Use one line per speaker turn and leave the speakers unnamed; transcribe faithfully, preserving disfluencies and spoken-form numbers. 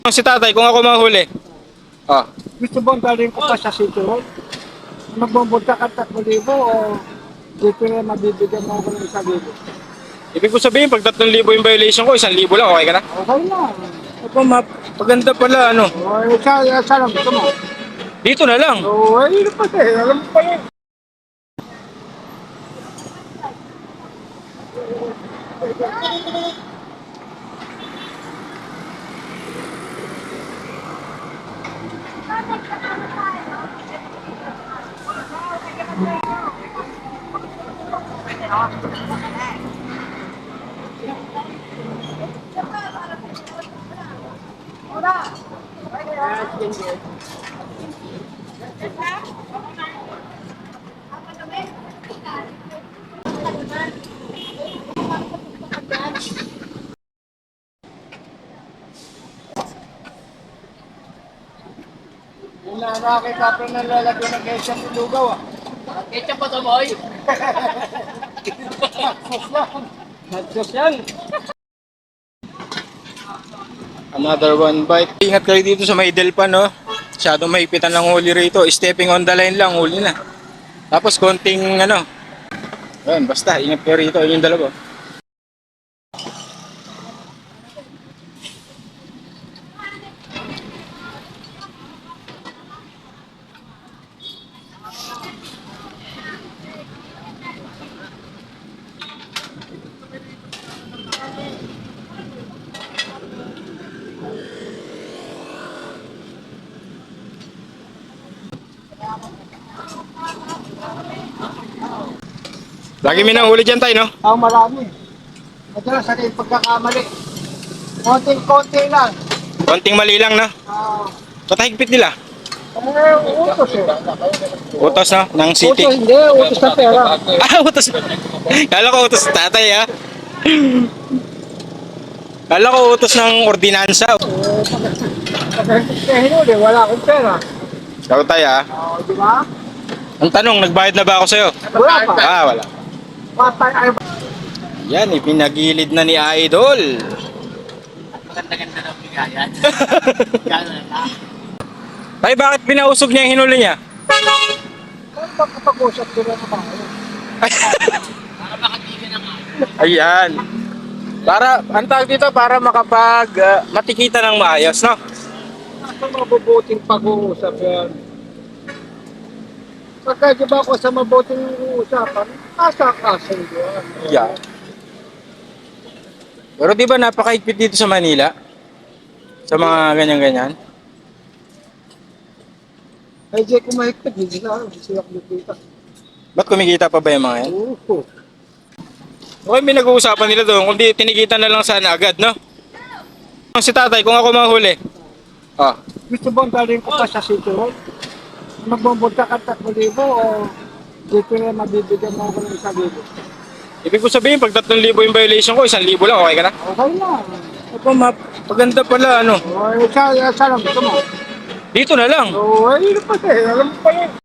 Si tatay, kung ako mahuli. Ah,
Gusto bang galing ko pa sa City Hall? Magbubunta ka tatlong libo o dito na mabibigyan mo ako ng isang libo?
ibig ko sabihin, pag tatlong libo yung violation ko, isang libo lang, okay ka na?
Okay lang.
Ako, map, paganda pala, ano?
O, isa, isa lang gusto mo.
Dito na lang.
O, ay, yun pa eh. Alam mo pa yun. Yung nakakita pa na lalagyan ng ketchup ng lugaw ah.
Ketchup pa to, boy.
Nagsos yan.
Another one bite. Ingat kayo dito sa may Delpan, no? Masyadong mahipitan ng huli rito. Stepping on the line lang, huli na. Tapos konting, ano. Ayun, basta, ingat kayo rito. Yun yung dalawa. Lagi may nahuli dyan tayo, no?
Ang marami. Madalas sa yung pagkakamali. Konting-konti lang.
Konting mali lang, no?
Ah,
Patahigpit nila.
eh, utos eh.
Utos, no? Ng city.
Utos hindi, utos na pera.
Ah, utos. Kala ko utos tatay, ha? Kala ko utos ng ordinansa.
Eh, pag pag hinuli, wala akong pera.
Ikaw tayo, ha?
O, di ba?
Ang tanong, nagbayad na ba ako sa'yo?
Wala pa.
Ah, wala.
Patay ay
Yan, ipinagilid na ni Idol.
Ganda-ganda ng bigayan. Gano'n na.
Tay, bakit pinausog niya yung hinuli niya?
kung magkapag-usap sila ng mga
Para makatigan na nga.
Ayan. Para, ang tawag dito, para makapag, ah, matikita ng maayos, no?
Nasa mabubuting pag-uusap yan. Pagka di ba ako sa mabuting usapan, nasa kaso yun.
Yeah. Pero di ba napakaigpit dito sa Manila? Sa mga ganyan-ganyan?
Ay, di ko mahigpit, hindi sila, hindi sila kumikita.
Ba't kumikita pa ba yung mga yan?
Oo.
Okay, may nag-uusapan nila doon. Kung di, tinikita na lang sana agad, no? Si tatay, kung ako mahuli. Ah,
Gusto bang galing ko pa sa City Hall? Magbubunta ka tatlong libo o dito na mabibigyan mo ako ng isang libo?
ibig ko sabihin, pag tatlong libo yung violation ko, isang libo lang, okay ka na?
Okay lang.
Ako, map, paganda pala, ano?
O, isa, isa lang gusto mo.
Dito na lang.
O, ay, yun pa eh. Alam mo pa yun.